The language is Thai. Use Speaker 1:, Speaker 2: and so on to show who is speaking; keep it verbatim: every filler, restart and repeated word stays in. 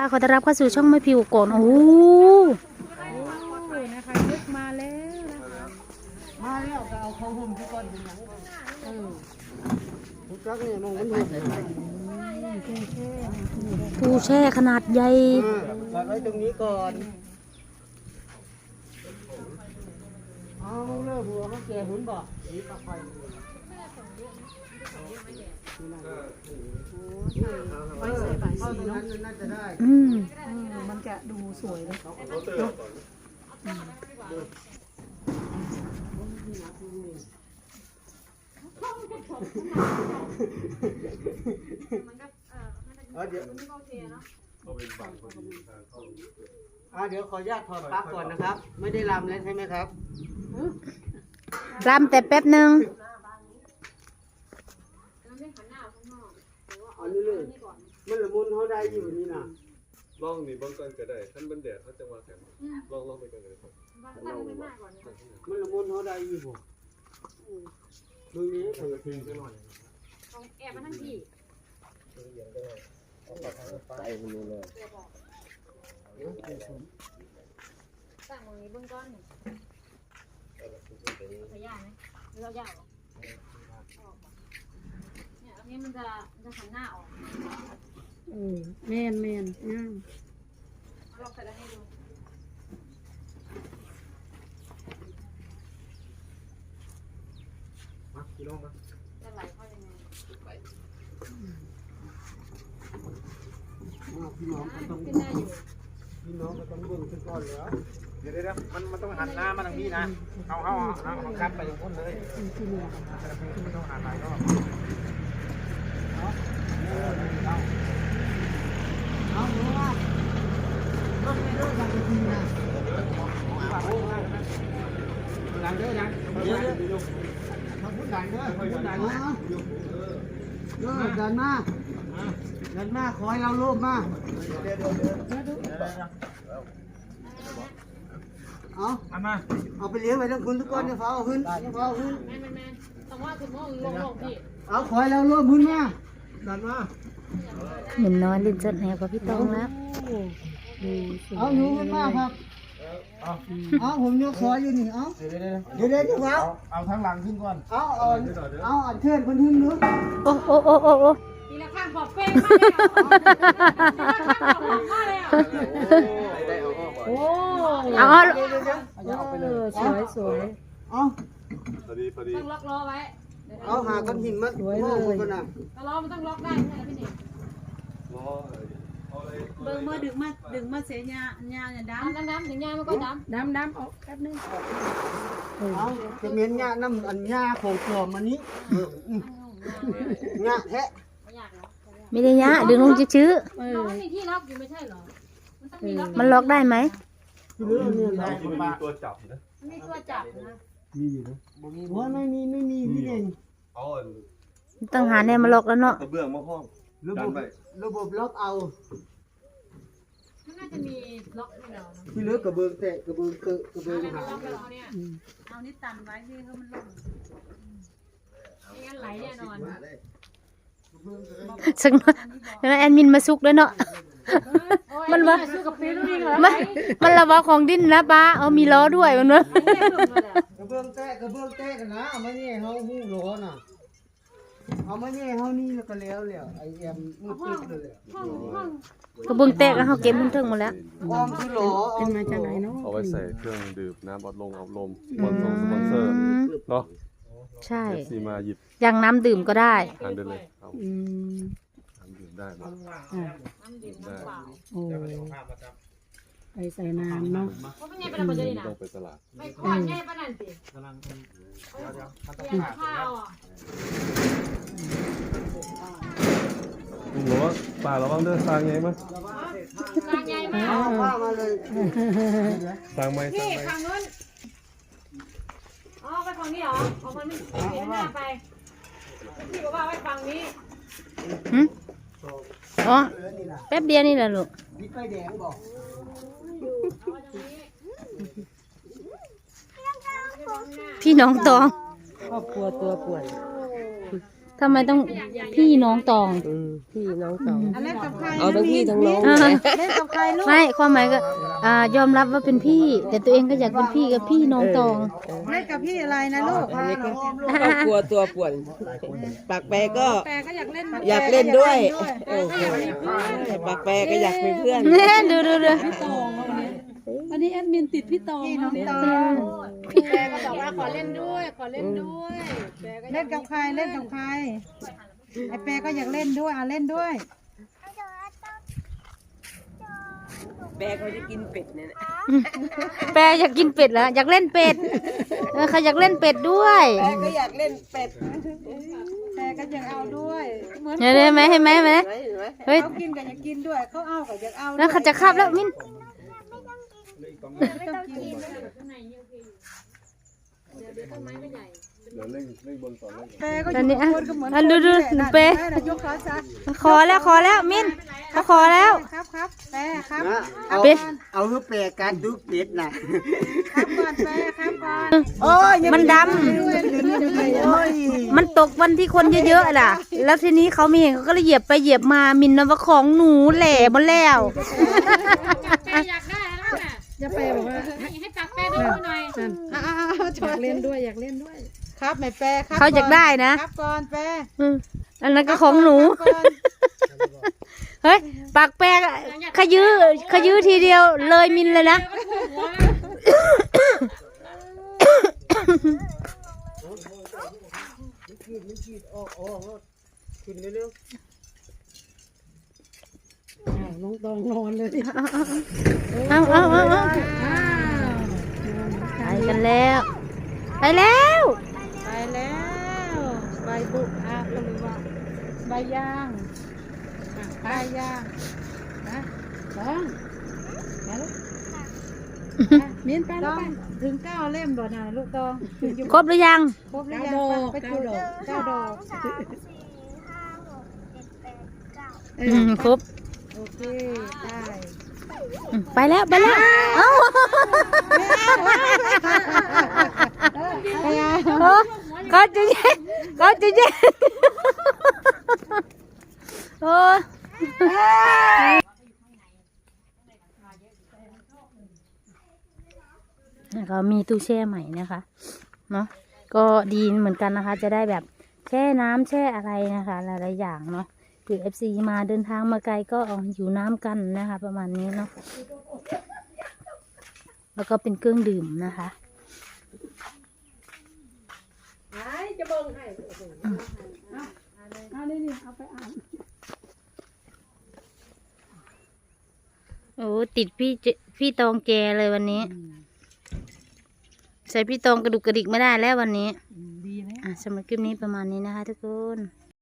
Speaker 1: ขอต้อนรับเข้าสู่ช่องไม่ผิวก่อนโอ้โหนะคะยึดมาแล้วนะคะ
Speaker 2: มาแล้วก็เอาเขาห่มที่ก้อนเป็นหยังเออทุกครั้งเนี่ยมองมันห่ม
Speaker 1: ตู้แช่ขนาดใหญ่
Speaker 2: วางไว้ตรงนี้ก่อนเอาเลิกหัวเขาแก่หุ่นบ่นี่ปลาไฟ
Speaker 3: ไว้ใส่บายสีเนาะ
Speaker 1: อืม
Speaker 3: มันจะดูสวยเลย
Speaker 2: เดี๋ยวเดี๋ยวขออนุญาตถอดปลั๊กก่อนนะครับ ไม่ได้รำแล้วใช่ไหมครับ
Speaker 1: รำแต่แป๊บหนึ่ง
Speaker 2: อันนี้เลยมันละมุนเขาได้อยู่นี่นะ
Speaker 4: ลองนี่บางก่อนก็ได้ท่านบันแดดเขาจะว่าแข็งลองลองไปกันเลยครับ
Speaker 2: มันละมุนเขาได้อยู่บ่มึงนี้เขาจะทิ้งไปหน่อย
Speaker 5: ของแอบมาทั้งที่
Speaker 2: ใส่มันเลย
Speaker 5: ตั้งตรงนี้เบื้องต้นขยายไหมหรือเรายาวเนี่ยอันนี้มันจะมันจะหันหน้าออก
Speaker 3: เออแมนแมนง่าย
Speaker 5: ลองใส่แล้วให้ดู
Speaker 4: มาพี่น้องมา
Speaker 5: จะไหลเข้ายังไง
Speaker 2: พี่น้องก็ต้อง
Speaker 5: ขึ้นได้อยู่
Speaker 2: พี่น้องก็ต้องเบิ่งขึ้นก่อนแล้ว
Speaker 4: เดี๋ยวเดี๋ยวมันมันต้องหันหน้ามาทางนี้นะเขาเขาเอาเขาคัดไปตรงนู้นเลยไม่ต้องหันหลายรอบ
Speaker 2: เอาหนูว่าต้องไม่รู้จักจริงนะหลังเด้อหลังเดี๋ยวเดี๋ยวมาพูดหลังเด้อพูดหลังนะเออดันมาดันมาขอให้เราโลภมาเดี๋ยวเดี๋ยวเดี๋ยวเอาเอามาเอาไปเลี้ยงไว้ทั้งคุณทุกคนเนี่ยฟ้าเอาขึ้นฟ้าเอาขึ้น
Speaker 5: แม่แม่แม่ต้องว่าคุณโม่ลงลงพี่
Speaker 2: เอาขอให้เราโลภขึ้นมาดันมา
Speaker 1: เหมือนนอนลิ้นจัดแหวกับพี่ตองแล้ว
Speaker 2: เอาหนูขึ้นมาครับเอาผมยกขออยู่นี่เอาเดี๋ยวเดี๋ยวเดี๋ยวเอา
Speaker 4: เอาทั้งหลังขึ้นก่อน
Speaker 2: เอาเอาเอาอันเชิญคนขึ้นดู
Speaker 1: โอ้โอ้โอ้โอ้โอ้
Speaker 5: ทีละข้างขอบเป้งมากเลย
Speaker 1: โอ้เอาเอา
Speaker 3: สวยสวย
Speaker 2: เอา
Speaker 4: พอดีพอดี
Speaker 5: ต้องล็อกล้อไว้
Speaker 2: เอาหาก้อนหินมาสวยเลยก็นะ
Speaker 5: ล้อมันต้องล็อกได้ใช่ไหมพี่หนิ
Speaker 4: ล้อ
Speaker 3: เบิ่งมาดึงมาดึงมาเสียญาญาเนี่ยดำ
Speaker 5: ดำดำถึงยามันก็ดำ
Speaker 3: ดำดำออกแป๊บนึง
Speaker 2: เอาจะเมียนหญ้าน้ำอันหญ้าของปลอมมันนี้หญ้าแท้
Speaker 1: ไม่ได้ยะดึงลงชื้อ
Speaker 5: มันมีที่ล็อกอยู่ไม่ใช่หรอมันต้องมีล็อก
Speaker 1: มันล็อกได้ไหม
Speaker 2: เรื่องนี้นะ
Speaker 4: มีตัวจับนะ
Speaker 5: มีตัวจับนะ
Speaker 2: มีอยู่นะว่าไม่มีไม่มีพี่เด่น
Speaker 4: อ๋อ
Speaker 1: ต้องหาแนวมาล็อกแล้วเนาะ
Speaker 4: กระเบื้องมาห้อง
Speaker 2: ระบบระบบล็อกเอา
Speaker 5: น่าจะมีล็อกให้เรา
Speaker 2: ที่เหลือกระเบื้องแตะกระเบื้องเกะกระเบื้องหา
Speaker 3: เอานี่ตันไว้ที่เขามันลง
Speaker 5: ไม่งั้นไหลแน่นอน
Speaker 1: ซึ่งแล้วแอดมินมาซุกด้วยเนาะมันว่ามันมันระวังของดิ้นนะป้าเอามีล้อด้วยมันเนาะ
Speaker 2: กระเบื้องแตะกระเบื้องแตะกันนะเอามาเนี่ยเขาหู้ล้อน่ะเอามาเนี่ยเขานี่แล้วก็แล้วแล้วไอเอ็มมืดตึ๊ดเลย
Speaker 1: กระเบื้องแตกแล้วเขาเก็บมันถึงหมดแล้ว
Speaker 2: ออมคือล้อ
Speaker 3: เป็นมาจากไหนเนาะ
Speaker 4: เอาไว้ใส่เครื่องดื่มน้ำอัดลมอัดลมสปอนเซอร์สปอนเซอร์เนาะ
Speaker 1: ใช่
Speaker 4: ซีมาหยิบ
Speaker 1: อย่างน้ำดื่มก็ได้
Speaker 4: ทานได้เลยเอา
Speaker 3: อืม
Speaker 4: น้ำดื่มได้ไหม
Speaker 5: น้ำดื่มน้ำเปล่า
Speaker 3: โอ้ไปใส่น้ำเนาะ
Speaker 5: เพราะเป็นไงเป็นอะไรดีนะ
Speaker 4: ต้องไปตลาด
Speaker 5: ไม่ควรไงปะนั่นสิกำลังเดี๋ยวข้าวอ่ะ
Speaker 4: ลุงบอกว่าป่าระวังเดินทางไงมั้ย
Speaker 5: ทางไงมั้ย
Speaker 2: มาเลย
Speaker 4: ทางไหม
Speaker 5: พี่ทางนู้นอ๋อไปฝั่งนี้เหรอเอามันไม่เห็นหน้าไปพี่บอกว่าไปฝั่งนี้
Speaker 1: อ๋อแป๊บเดียวนี่แหละลูกพี่น้องตอง
Speaker 3: ครอบครัวตัวป่วน
Speaker 1: ททำไมต้องพี่น้องตอง
Speaker 6: อืมพี่น้องสอง
Speaker 3: เล่นกับใคร
Speaker 6: เอาทั้งพี่ทั้งน้อง
Speaker 1: อ่า
Speaker 3: เล่นกับใครลูก
Speaker 1: ไม่ความหมายก็อ่ายอมรับว่าเป็นพี่ แต่ตัวเองก็อยากเป็นพี่กับพี่น้องตอง
Speaker 3: เล่นกับพี่อะไรนะลูก
Speaker 6: อันนี้ก็ครอบครัวตัวป่วนปากแปรก็
Speaker 3: แปรก็อยากเล่น
Speaker 6: อยากเล่นด้วยโอ้โหปากแปรก็อยากเป็นเพื่อน
Speaker 1: เนี่ยดูดูดู
Speaker 3: วันนี้แอดมินติดพี่ตองพี่น้องตองแปรก็บอกว่าขอเล่นด้วยขอเล่นด้วยเล่นกับใครเล่นกับใครไอแปรก็อยากเล่นด้วยอ่ะเล่นด้วย
Speaker 6: แปรเขาจะกินเป็ดเนี่ยนะ
Speaker 1: แปรอยากกินเป็ดเหรออยากเล่นเป็ดเออเขาอยากเล่นเป็ดด้วย
Speaker 6: แปรก็อยากเล่นเป็ด
Speaker 3: แปรก็อยากเอาด้วยเหมือน
Speaker 1: เห็นไหมเห็นไหมเห็นไหม
Speaker 6: เห็นไหมเห็นไหม
Speaker 1: เฮ้ย
Speaker 3: เขากินก็อยากกินด้วยเขาเอาก็อยากเอา
Speaker 1: แล้วเขาจะคาบแล้วมิน
Speaker 3: ไม่ต้องกิน แปรก็อ
Speaker 1: อัน
Speaker 3: ยู่
Speaker 1: นี้อ่ะ
Speaker 3: คนก็เหมือน
Speaker 1: อันดูดู
Speaker 3: คนนี่แหละ
Speaker 1: เปร
Speaker 3: นั่นน่ะยกขาซ้าย
Speaker 1: ขอแล้วขอแล้วมินเขาขอแล้ว
Speaker 3: ครับครับแปรครับ
Speaker 2: นะเอา
Speaker 1: เป็ด
Speaker 2: เอาลูกแปรการดูเป็ดนะ
Speaker 3: ครับก่อนแปรครับก่อน
Speaker 2: โอ้ย
Speaker 1: มันด
Speaker 2: โอ้ย
Speaker 1: ำมันตกวันที่คนเยอะๆล่ะ แล้วทีนี้เขาไม่เห็นเขาก็เลยเหยียบไปเหยียบมามินนะว่าของหนูแหล่หมดแล้ว
Speaker 5: แปอยากได้แล้วน่ะ
Speaker 3: จะแปรบอกว่า
Speaker 5: ให้ให้ตักแปดูหน่อย
Speaker 3: อ้าวอยากเล่นด้วยอยากเล่นด้วย ครับไม่แปรครับ
Speaker 1: เขาอยากได้นะ
Speaker 3: ครับก่อนแปร
Speaker 1: อืมอันนั้นก็ของหนู
Speaker 3: ครับก่อน
Speaker 1: เฮ้ยปากแปลกอะขยื้อขยื้อทีเดียวเลยมินเลยนะ
Speaker 5: หัวแล้ว
Speaker 3: ลงตองนอนเลย
Speaker 1: เอาเอาเอาเอาไปกันแล้ว ไปแล้ว
Speaker 3: ไปแล้วใบบุกอาก็เลยว่าใบย่างอ่ะใบย่างนะต้องไปลูกอ่ะมิ้นไปลูกไปถึงเก้าเล่มบ่นะลูกตองถึงอยู่
Speaker 1: ครบหรือยัง
Speaker 3: ครบหรือยังไปจุดเก้าดอก
Speaker 1: อืมครบ
Speaker 3: โอเคได้
Speaker 1: อืมไปแล้วไปแล้วเอ้า
Speaker 3: ไปอ่ะ
Speaker 1: เออเขาจะแย่งเขาจะแย่งโอ้เขามีตู้แช่ใหม่นะคะเนาะก็ดีเหมือนกันนะคะ จะได้แบบแช่น้ำแช่อะไรนะคะหลายๆอย่างเนาะเผื่อเอฟซีมาเดินทางมาไกลก็เอาอยู่น้ำกันนะคะ ประมาณนี้เนาะแล้วก็เป็นเครื่องดื่มนะคะ
Speaker 3: เอาเลยนี่เอาไปอ่าน
Speaker 1: โอ้ติดพี่เจพี่ตองแกเลยวันนี้ ใส่พี่ตองกระดุกกระดิกไม่ได้แล้ววันนี้
Speaker 3: ดีไหม
Speaker 1: อ่ะสำหรับคลิปนี้ประมาณนี้นะคะทุกคน